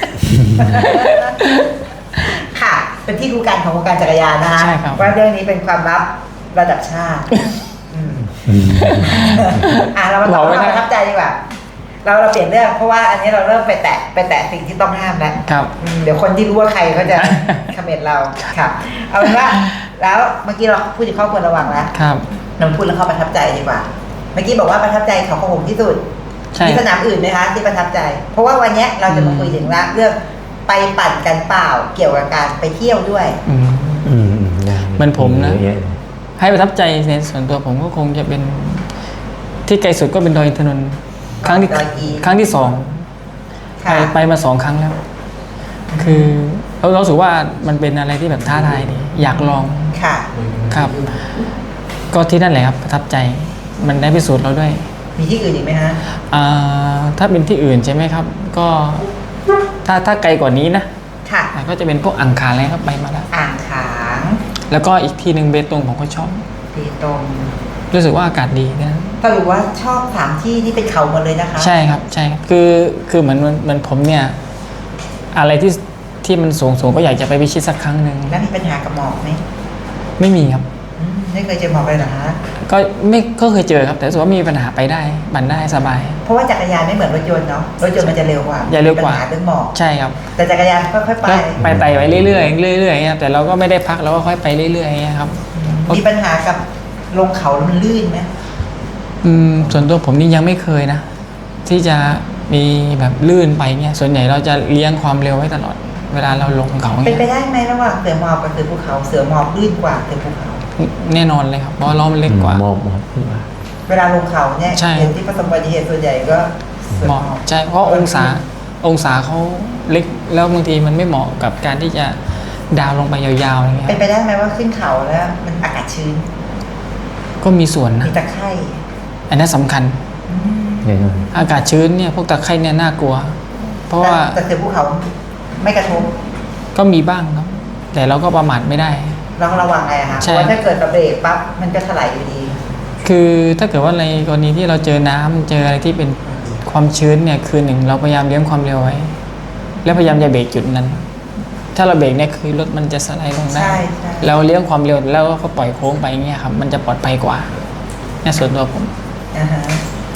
Speaker 1: ค่ะ เป็นที่รู้กันของวงการจักรยานนะคะ
Speaker 3: ใช่ครับ
Speaker 1: ว่าเรื่องนี้เป็นความลับระดับชาติอืม
Speaker 2: อืม
Speaker 1: อ่ะเรามาต่อเรื่องความประทับใจดีกว่า เราเราเปลี่ยนเรื่องเพราะว่าอันนี้เราเริ่มไปแตะไปแตะสิ่งที่ต้องห้ามแล้ว
Speaker 3: ครับ
Speaker 1: อืมเดี๋ยวคนที่รู้ว่าใครเขาจะ คอมเมนต์เราครับเอาเป็นว่า แล้วเมื่อกี้เราพูดถึงครอบครัวระวังแล้ว
Speaker 3: ครับ
Speaker 1: เราพูดแล้วเขาประทับใจดีกว่า เมื่อกี้บอกว่าประทับใจเขาของผมที่สุด
Speaker 3: ใช่
Speaker 1: มีสนามอื่นไหมคะที่ประทับใจ เพราะว่าวันเนี้ยเราจะมาคุยถึงละเรื่องไปปั่นกันเปล่าเกี่ยวกับการไปเที่ยวด้วย
Speaker 3: อืม
Speaker 2: อืมอืมได้
Speaker 3: เหมือนผมนะ
Speaker 2: เยอเลย
Speaker 3: ให้ประทับใจในส่วนตัวผมก็คงจะเป็นที่ไกลสุดก็เป็นดอยอินทนนท์ครั้งที่
Speaker 1: ดอยอิน
Speaker 3: ครั้งที่สองไป
Speaker 1: ค่ะ
Speaker 3: ไปมาสองครั้งแล้ว คือเราเราสึกว่ามันเป็นอะไรที่แบบท้าทายดีอยากลอง
Speaker 1: ค่ะ
Speaker 3: ครับ ก็ที่นั่นแหละครับประทับใจมันได้พิสูจน์เราด้วย
Speaker 1: มีที่อื่นอีกไหมฮะ
Speaker 3: อ่าถ้าเป็นที่อื่นใช่ไหมครับ ก็ถ้าถ้าไกลกว่านี้นะ
Speaker 1: ค่ะ
Speaker 3: อ่าก็จะเป็นพวกอังคารอะไรครับไปมาแล้ว
Speaker 1: อ่างขาง
Speaker 3: แล้วก็อีกที่หนึ่งเบตงผมก็ชอบ
Speaker 1: เบตง
Speaker 3: รู้สึกว่าอากาศดีนะ
Speaker 1: สรุปว่าชอบสามที่ที่เป็นเขาหมดเลยนะคะ
Speaker 3: ใช่ครับใช่ครับคือคือเหมือนเหมือนผมเนี่ย อะไรที่ที่มันสูงสูงก็อยากจะไปพิชิตสักครั้งหนึ่ง
Speaker 1: แล้วมีปัญหากับหมอกไหม
Speaker 3: ไม่มีครับ
Speaker 1: อืมไม่เคยเจอหมอกเลยเหรอฮะ
Speaker 3: ก็ไม่ก็เคยเจอครับ แต่รู้สึกว่ามีปัญหาไปได้บันได้สบาย
Speaker 1: เพราะว่าจักรยานไม่เหมือนรถยนต์เนาะ รถยนต์มันจะเร็วกว่า
Speaker 3: จะเร็วกว่า
Speaker 1: ปัญหาเรื่องหมอก
Speaker 3: ใช่ครับ
Speaker 1: แต่จักรยานค่อยๆไป
Speaker 3: ก็ไปไต่ไปเรื่อยๆเรื่อยๆเนี่ยแต่เราก็ไม่ได้พักเราก็ค่อยไปเรื่อยๆเนี่ยครับ
Speaker 1: มีปัญหากับลงเขาแล้วมันลื่นไหม
Speaker 3: อืมส่วนตัวผมนี่ยังไม่เคยนะ ที่จะมีแบบลื่นไปเนี่ยส่วนใหญ่เราจะเลี้ยงความเร็วไว้ตลอด เวลาเราลงเขา
Speaker 1: เป็นไป
Speaker 3: เนี่ย
Speaker 1: ได้ไหมระหว่างเสือหมอบกับเสือภูเขา เสือหมอบลื่นกว่าเสือภูเขา
Speaker 3: แน่นอนเลยครับเพราะล้อมันเล็กกว่า
Speaker 2: หมอบหมอบขึ้นมา
Speaker 1: เวลาลงเขาเนี่ย
Speaker 3: ใช่
Speaker 1: เห็นที่ประสบอุบัติเหตุส่วนใหญ่ก็เสือ
Speaker 3: เห
Speaker 1: หม
Speaker 3: มาะ
Speaker 1: อบ
Speaker 3: ใช่เพราะองศาองศาเขาเล็กแล้วบางทีมันไม่เหมาะกับการที่จะดาวลงไปยาวๆอะไรเงี้ย
Speaker 1: เป็นไปได้ไหมว่าขึ้นเขาแล้วมันอากาศชื้น
Speaker 3: ก็มีส่วนนะ
Speaker 1: มีตะไคร่
Speaker 3: อันนั้นสำคัญ
Speaker 1: อืม
Speaker 2: แน่นอน
Speaker 3: อากาศชื้นเนี่ยพวกตะไคร่เนี่ยน่ากลัว เพราะว่า
Speaker 1: แต่แต่เสือภูเขาไม่กระทบ
Speaker 3: ก็มีบ้างครับ แต่เราก็ประมาทไม่ได้
Speaker 1: เราก็ระวังไงอะคะเพ
Speaker 3: ใช่
Speaker 1: ราะว่าถ้าเกิดเราเบรกปั๊บมันก็ถลายอยู่ดี
Speaker 3: คือถ้าเกิดว่าในกรณีที่เราเจอน้ำเจออะไรที่เป็นความชื้นเนี่ยคือหนึ่งเราพยายามเลี้ยงความเร็วไว้ แล้วพยายามจะเบรกจุดนั้น ถ้าเราเบรกเนี่ยคือรถมันจะสไลด์ลงได้
Speaker 1: ใช่ใช่
Speaker 3: เราเลี้ยงความเร็วแล้วก็ปล่อยโค้งไปเงี้ยครับมันจะปลอดภัยกว่าเนี่ยส่วนตัวผม
Speaker 1: อ่าฮะ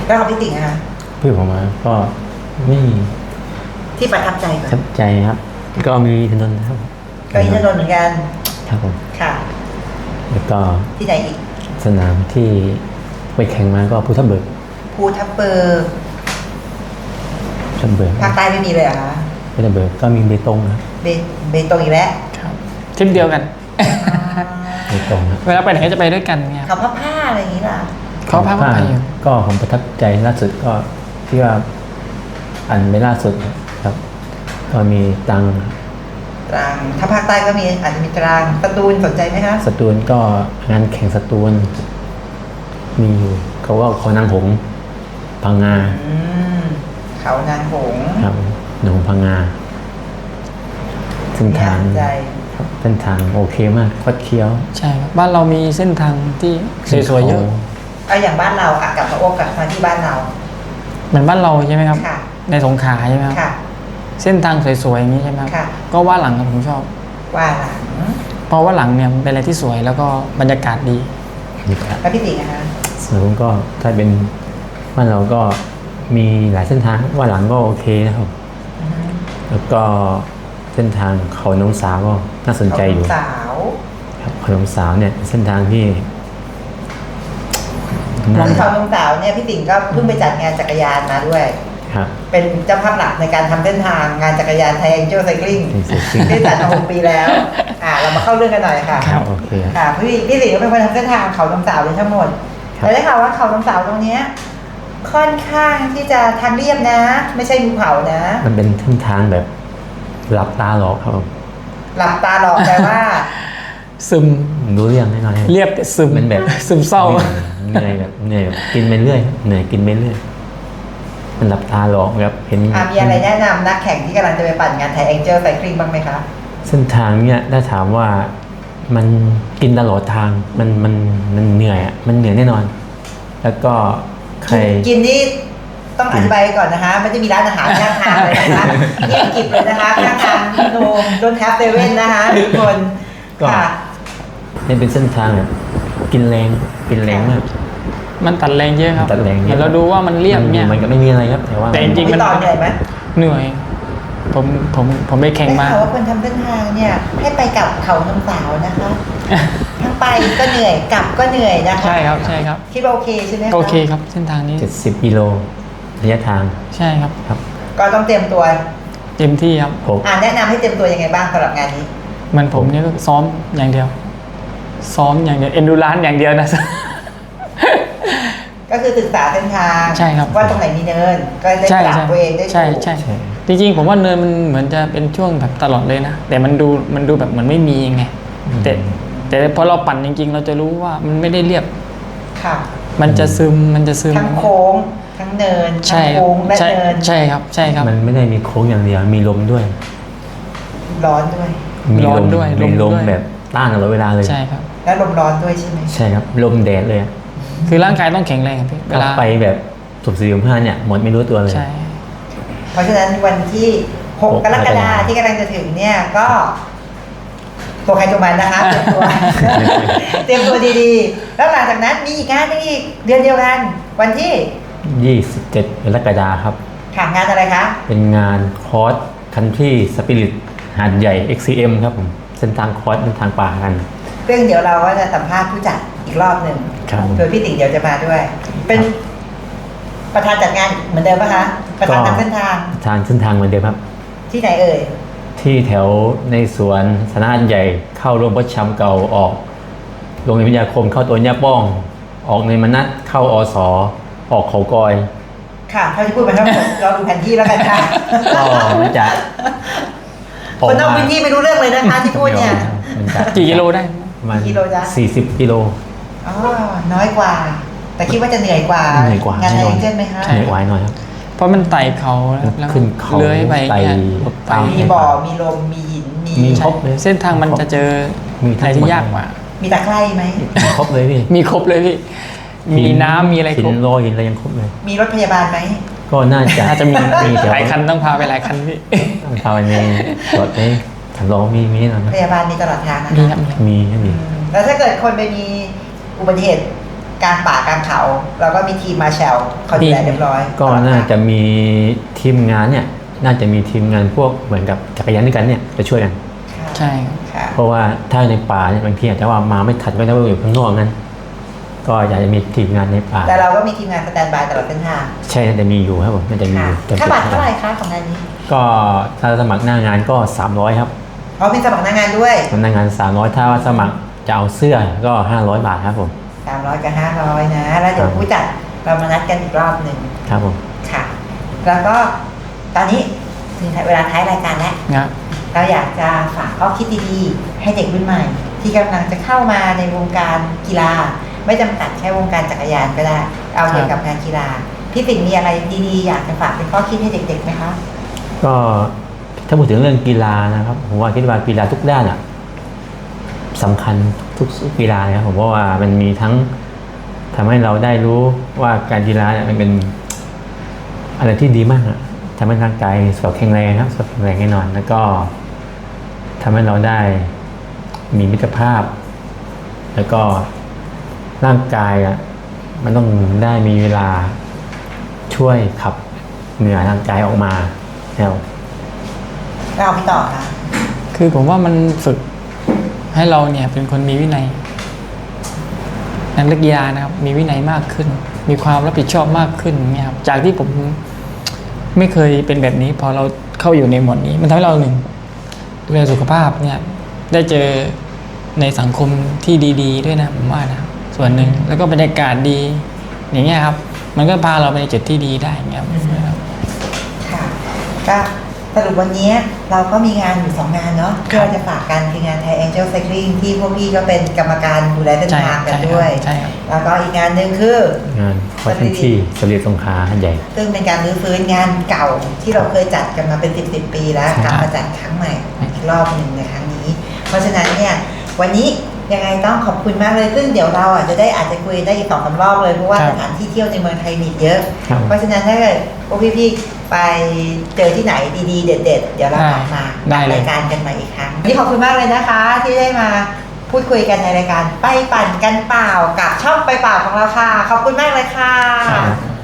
Speaker 1: แล้วของพี่ติ๋งนะคะ
Speaker 2: เพื่อนผมมาก็ไม่
Speaker 1: ที่ประทับใจก่อน
Speaker 2: ทับใจครับ ก็มีถนนนะครับ
Speaker 1: ก็อินทนนท์เหมือนกัน
Speaker 2: ครับผม
Speaker 1: ค่ะ
Speaker 2: แล้วก็
Speaker 1: ที่ไหนอีก
Speaker 2: สนามที่ไปแข่งมาก็ภูทับเบิก
Speaker 1: ภูทับเบิก
Speaker 2: ภูทับเบิก
Speaker 1: ภาคใต้ไม่มีเลยเหรอคะ
Speaker 2: ภูทับเบิกก็มีเบตงครับ
Speaker 1: เบเบตงอีกแล้ว
Speaker 3: ครับทริปเดียวกัน
Speaker 2: เบตงครับ
Speaker 3: เวลาไปไหนก็จะไปด้วยกันเนี่ย
Speaker 1: เขาผ้าผ้าอะไรอย่างนี้ล่ะ
Speaker 3: เขาพักมาอยู่
Speaker 2: ก็ผมประทับใจล่าสุดก็ที่ว่าอันไม่ล่าสุดครับ ก็มีตัง
Speaker 1: ตรังถ้าภาคใต้ก็มีอาจจะมีตรังสตูลสนใจไหมคะ
Speaker 2: สตูลก็งานแข่งสตูลมีอยู่เขาว่าเขานางหงส์พังงา
Speaker 1: อืมเขานานหงส์
Speaker 2: ครับหนองพังงาเส้นทาง
Speaker 1: น่าสนใจ
Speaker 2: ครับเส้นทางโอเคมากคดเคี้ยว
Speaker 3: ใช่ครับบ้านเรามีเส้นทางที่สวยๆเยอะ
Speaker 1: เอาอย่างบ้านเราอะกลับมาโอ้กลับมาที่บ้านเรา
Speaker 3: เหมือนบ้านเราใช่ไหมครับ
Speaker 1: ค่ะ
Speaker 3: ในสงขลาใช่ไหมครับ
Speaker 1: ค่ะ
Speaker 3: เส้นทางสวยๆอย่างนี้ใช่ไหมครับ
Speaker 1: ค่ะ
Speaker 3: ก็ว่าหลังครับผมชอบ
Speaker 1: ว่าหลัง
Speaker 3: เพราะว่าหลังเนี่ยมันเป็นอะไรที่สวยแล้วก็บรรยากาศดี
Speaker 2: นี่ครับ
Speaker 1: แล้วพี่ติ๋งนะคะ
Speaker 2: ส่วนผมก็ถ้าเป็นบ้านเราก็มีหลายเส้นทางว่าหลังก็โอเคนะครับ
Speaker 1: อือฮึ
Speaker 2: แล้วก็เส้นทางเขาน้องสาวก็น่าสนใจอยู่
Speaker 1: เขาสาว
Speaker 2: ครับเขาน้องสาวเนี่ยเป็นเส้นทางที่
Speaker 3: ล
Speaker 2: น่า
Speaker 3: อง
Speaker 1: เขาน้องสาวเนี่ยพี่ติ๋งก็เพิ่งไปจัดงานจักรยานมาด้วย
Speaker 2: ครับ
Speaker 1: เป็นเจ้าภาพหลักในการทำเส้นทางงานจักรยานไทยแองเจิลไซคลิง
Speaker 2: เป็นเส้นทาง
Speaker 1: ได้จัดมาหกปีแล้ว อ่า เรามาเข้าเรื่องกันหน่อยค่ะ
Speaker 2: ครับโอเคครับ
Speaker 1: ค่ะพี่พี่ติ๋งก็เป็นคนทำเส้นทางเขาน้ำสาวเลยทั้งหมด
Speaker 2: ครับ
Speaker 1: แต่ได้ข่าวว่าเขาน้ำสาวตรงเนี้ยค่อนข้างที่จะทางเรียบนะ ไม่ใช่ภูเขานะ
Speaker 2: มันเป็นเส้นทางแบบหลับตาหลอกครับผม
Speaker 1: หลับตาหลอกแปลว่า
Speaker 3: ซึม
Speaker 2: รู้เรื่องแน่นอนครับ
Speaker 3: เรียบแต่ซึม
Speaker 2: มันแบบ
Speaker 3: ซึมเศร้า
Speaker 2: เหนื่อยแบบเหนื่อยแบบกินไปเรื่อยเหนื่อยกินไปเรื่อยมันหลับตาหลอกแบบเห็น
Speaker 1: อ่ะมีอะไรแนะนำนักแข่งที่กำลังจะไปปั่นงานไทยแองเจิลไซคลิงบ้างไหมคะ
Speaker 2: เส้นทางเนี่ยถ้าถามว่ามันกินตลอดทางมันมันมันเหนื่อยอ่ะมันเหนื่อยแน่นอน แล้วก็ใคร
Speaker 1: กินนี่ต้องอธิบายก่อนนะคะไม่ได้มีร้านอาหารข้างทางเลยนะคะเงียบกริบเลยนะคะข้างทางโนมโดนแทบเซเว่นนะคะทุกคน
Speaker 2: ก็
Speaker 1: ค่ะ
Speaker 2: นี่เป็นเส้นทางแบบกินแรงกินแรงมาก
Speaker 3: มันตัดแรงเยอะครับ
Speaker 2: ตัดแรงเยอะ
Speaker 3: เหมือนเราดูว่ามันเรียบเนี่ย
Speaker 2: มันก็ไม่มีอะไรครับ แต่ว่า
Speaker 3: แต่จริงๆ
Speaker 1: พี่ต่อเหนื่อยไหม
Speaker 3: เหนื่อย ผมผมผมไปแข่ง
Speaker 1: ได้
Speaker 3: มา
Speaker 1: ข่าวว่าคนทำเส้นทางเนี่ยให้ไปกับเขาน้ำสาวนะคะทั้งไปก็เหนื่อยกลับก็เหนื่อยนะคะ
Speaker 3: ใช่ครับใช่ครับ
Speaker 1: คิดว่าโอเคใช่ไหมะ
Speaker 3: โอเคครับเส้นทางนี้
Speaker 2: เจ็ดสิบกิโลระยะทาง
Speaker 3: ใช่ครับ
Speaker 2: ครับ
Speaker 1: ก็ต้องเตรียมตัว
Speaker 3: เต็มที่ครับ
Speaker 2: ผม
Speaker 1: อ่าแนะนำให้เตรียมตัวยังไงบ้างสำหรับงานนี้
Speaker 3: เหมันผมเนี่ยก็ซ้อมอย่างเดียว ซ้อมอย่างเดียวเอนดูรานอย่างเดียวนะ
Speaker 1: ก็คือศึกษาเส้นทาง
Speaker 3: ใช่ครับ
Speaker 1: ว่าตรงไหนมีเนิน ก็ได้
Speaker 3: ใช่
Speaker 1: ปรับ
Speaker 3: ใช่
Speaker 1: ตัวเองได้ถูก
Speaker 3: ใช่ใช่
Speaker 2: ใช่
Speaker 3: จริงๆผมว่าเนินมันเหมือนจะเป็นช่วงแบบตลอดเลยนะ แต่มันดูมันดูแบบเหมือนไม่มีไงแต่แต่พอเราปั่นจริงๆ เราจะรู้ว่ามันไม่ได้เรียบ
Speaker 1: ค่ะ
Speaker 3: มันจะซึมมันจะซึม
Speaker 1: ทั้งโค้งทั้งเนินทั้
Speaker 3: ใช่
Speaker 1: ง
Speaker 3: ครับ
Speaker 1: โค้งและ
Speaker 3: ใช่
Speaker 1: เนิน
Speaker 3: ใช่ครับใช่ครับ
Speaker 2: มันไม่ได้มีโค้งอย่างเดียว มีลมด้วย
Speaker 1: ร้อนด้วย
Speaker 2: มี
Speaker 3: ร้อน
Speaker 2: ลม
Speaker 3: ด้วยล
Speaker 2: มี
Speaker 3: ม
Speaker 2: ลม
Speaker 3: ด้วย
Speaker 2: แบบต้านตลอดเวลาเลย
Speaker 3: ใช่ครับ
Speaker 1: และลมร้อนด้วยใช่ไหม
Speaker 2: ใช่ครับ ลมแดดเลยอะ
Speaker 3: คือร่างกายต้องแข็งแรงครับพี่เว
Speaker 2: ถ้า
Speaker 3: ลา
Speaker 2: ไปแบบสุบสี่สุบห้าเนี่ยหมดไม่รู้ตัวเลย
Speaker 3: ใช่
Speaker 1: เพราะฉะนั้นวันที่หก
Speaker 2: หก
Speaker 1: กรกฎาคม
Speaker 2: กรกฎาคม
Speaker 1: ที่กำลังจะถึงเนี่ยก็ ตัวใครตัวมันนะคะเตรียมตัว เตรียมตัวดีๆ แล้วหลังจากนั้นมีอีกงานหนึงอีกเดือนเดียวกัน วันที่
Speaker 2: ยี่สิบเจ็ดกรกฎาคมครับ
Speaker 1: ค่ะงานอะไรคะ
Speaker 2: เป็นงานคอร์สคันที่สปิริตหาดใหญ่ เอ็กซ์ ซี เอ็ม ครับผม เส้นทางคอร์สเป็นทางป่ากัน
Speaker 1: เรื่องเดี๋ยวเราก็จะสัมภาษณ์ผู้จัดอีกรอบหนึ่ง
Speaker 2: ครับ
Speaker 1: โดยพี่ติ๋งเดี๋ยวจะมาด้วย เป็นประธานจัดงานเหมือนเดิมปะคะ ประธานทางเส้นทาง
Speaker 2: ทางเส้นทางเหมือนเดิมครับ
Speaker 1: ที่ไหนเอ่ย
Speaker 2: ที่แถวในสวนสนามใหญ่เข้าโรงประชามเก่าออกโรงเรียนวิทยาคมเข้าตัวย่าป้อง ออกในมนัสเข้าอสออกเขากอย
Speaker 1: ค่ะเท่าที่พูดมาทั้งหมด เราดูแผนที่แล้วกันค่ะ
Speaker 2: ก็มันจะ
Speaker 1: คนนอกพื้นที่ไม่รู้เรื่องเลยนะคะที่พูดเนี่ย
Speaker 2: มันจะ
Speaker 3: กี่กิโลได้
Speaker 2: ประมาณ
Speaker 1: กี่กิโลจ๊ะ
Speaker 2: สี่สิบกิโล
Speaker 1: อ๋อ น้อยกว่า แต่คิดว่าจะเหนื่อยกว่า
Speaker 2: เหนื่อยกว่าง
Speaker 1: านไทย
Speaker 2: แน่นอน
Speaker 1: เช่นไหมคะ
Speaker 3: ใช่
Speaker 2: เหนื่อยกว่าหน่อยครับ
Speaker 3: เพราะมันไต่เขานะครับแล้ว
Speaker 2: ขึ้นเขา
Speaker 3: เลื้อยไป
Speaker 2: ไต่
Speaker 3: เนี่ย
Speaker 2: ตาม
Speaker 1: มีบ่อ มีลม มีหิน มี
Speaker 2: มี
Speaker 3: ใช่
Speaker 2: ครบเลย
Speaker 3: เส้นทางมันจะเจอ
Speaker 2: มีทั้
Speaker 3: อะไร
Speaker 2: ง
Speaker 3: ที่
Speaker 2: หมด
Speaker 3: ยากกว่า
Speaker 1: มีตะไคร่ไหม
Speaker 2: มีครบเลยพี่
Speaker 3: มีครบเลยพี่ มีน้ำมีอะไรคร
Speaker 2: หิ
Speaker 3: บ
Speaker 2: นโรยหินอะไรยังครบเลย
Speaker 1: มีรถพยาบาลไหม
Speaker 2: ก็น่าจะ
Speaker 3: อาจจะมี
Speaker 2: มีแถว
Speaker 3: หลายคันต้องพาไปหลายคันพี่
Speaker 2: ต้องพาไปในรถนี้ถังรองมีมีแน่นอน
Speaker 1: พยาบาลมีตลอดทางนะ
Speaker 3: มี
Speaker 1: คะ
Speaker 3: ครับมี
Speaker 2: มีครับมี
Speaker 1: อืมแล้วถ้าเกิดคนไปมีอุบัติเหตุกลางป่ากลางเขาเราก็มีทีมมาแชลเขาดูแลเรียบร้อย
Speaker 2: ก็น่าจะมีทีมงานเนี่ยน่าจะมีทีมงานพวกเหมือนกับจักรยานด้วยกันเนี่ยจะช่วยกัน
Speaker 3: ใช่
Speaker 1: ค่ะ
Speaker 2: เพราะว่าถ้าในป่าเนี่ยบางทีอาจจะว่ามาไม่ทันก็ได้ว่าอยู่ข้างนอกนั้นก็อยากจะมีทีมงานในป่า
Speaker 1: แต่เราก็มีทีมงานสแตนบายตลอดเส้นทาง
Speaker 2: ใช่น่าจะมีอยู่ครับผมน่าจะมีอ
Speaker 1: ค่ะ
Speaker 2: ยู่จน
Speaker 1: ค่า
Speaker 2: สุด
Speaker 1: บัตรเท่าไหร่
Speaker 2: ท้าย
Speaker 1: คะของงานนี้
Speaker 2: ก็ถ้าสมัครหน้างานก็สามร้อยครับ
Speaker 1: อ๋อมีสมัครหน้างานด้วย
Speaker 2: หน้างานสามร้อยถ้าว่าสมัครจะเอาเสื้อก็ห้าร้อยบาทครับผม
Speaker 1: สามร้อยกับห้าร้อยนะ แล้วเดี๋ยว
Speaker 2: ครับ
Speaker 1: ผู้จัดเรามานัดกันอีกรอบหนึ่ง
Speaker 2: ครับผม
Speaker 1: ค่ะ แล้วก็ตอนนี้ถึงเวลาท้ายรายการแล้ว
Speaker 3: นะ
Speaker 1: เราอยากจะฝากข้อคิดดีๆให้เด็กรุ่นใหม่ ที่กำลังจะเข้ามาในวงการกีฬา ไม่จำกัดแค่วงการจักรยานก็ได้ เอาเกี่ยวกับงานกีฬาพี่ปิ่นมีอะไรดีๆอยากจะฝากเป็นข้อคิดให้เด็กๆไหมคะ
Speaker 2: ก็ถ้าพูดถึงเรื่องกีฬานะครับผมว่าคิดว่ากีฬาทุกด้านอ่ะสำคัญทุกกีฬานะครับผมว่ามันมีทั้งทำให้เราได้รู้ว่าการกีฬาเนี่ยมันเป็นอะไรที่ดีมากอะทำให้ร่างกายสุขภาพแข็งแรงครับสุขภาพแข็งแรงแน่นอน แล้วก็ทำให้เราได้มีมิตรภาพ แล้วก็ร่างกายอ่ะมันต้องได้มีเวลาช่วยขับเหงื่อร่างกายออกมาแล้ว
Speaker 1: เราพี่ต่อค่ะ
Speaker 3: คือผมว่ามันฝึกให้เราเนี่ยเป็นคนมีวินัยนักเล่นกีฬานะครับมีวินัยมากขึ้น มีความรับผิดชอบมากขึ้นเนี่ยครับจากที่ผมไม่เคยเป็นแบบนี้พอเราเข้าอยู่ในหมวดนี้ มันทำให้เราหนึ่งดูแลสุขภาพเนี่ยได้เจอในสังคมที่ดีๆด้วยนะผมว่านะส่วนหนึ่งแล้วก็บรรยากาศดีอย่างเงี้ยครับมันก็พาเราไปในจุดที่ดีได้อย่างเงี้ยครับ
Speaker 1: ค่ะก็สรุปวันนี้เราก็มีงานอยู่สองงานเนาะที่เราจะฝากกันคืองาน Thai Angel Cycling ที่พวกพี่ก็เป็นกรรมการดูแลเส้นทางกันด้วย
Speaker 3: ใช่ครับ
Speaker 1: แล้วก็อีกงานหนึ่งคือง
Speaker 2: านคอสที่ที่สำเร็จสงขลาใหญ่
Speaker 1: ซึ่งเป็นการรื้อฟื้นงานเก่าที่เราเคยจัดกันมาเป็นสิบสิบปีแล้ว
Speaker 2: ใช่
Speaker 1: กลับมาจัดครั้งใหม่อีกรอบหนึ่งในครั้งนี้ เพราะฉะนั้นเนี่ยวันนี้ยังไงต้องขอบคุณมากเลยซึ่งเดี๋ยวเราอ่ะจะได้อาจจะคุยได้อีกสองสามรอบเลยเพราะว่า
Speaker 3: ครับ
Speaker 1: สถานที่เที่ยวในเมืองไทยมีเยอะ
Speaker 2: ครับ
Speaker 1: เพราะฉะนั้นถ้าเกิดพวกพี่ๆไปเจอที่ไหนดีๆ เด็ดๆ เดี๋ยวเรากลับมา
Speaker 3: ได้เลย
Speaker 1: รายการกันใหม่อีกครั้งวันนี่ขอบคุณมากเลยนะคะ ที่ได้มาพูดคุยกันในรายการไปปั่นกันเปล่ากับช่องไปเปล่าของเราค่ะ ขอบคุณมากเลยค่ะ
Speaker 2: ครับ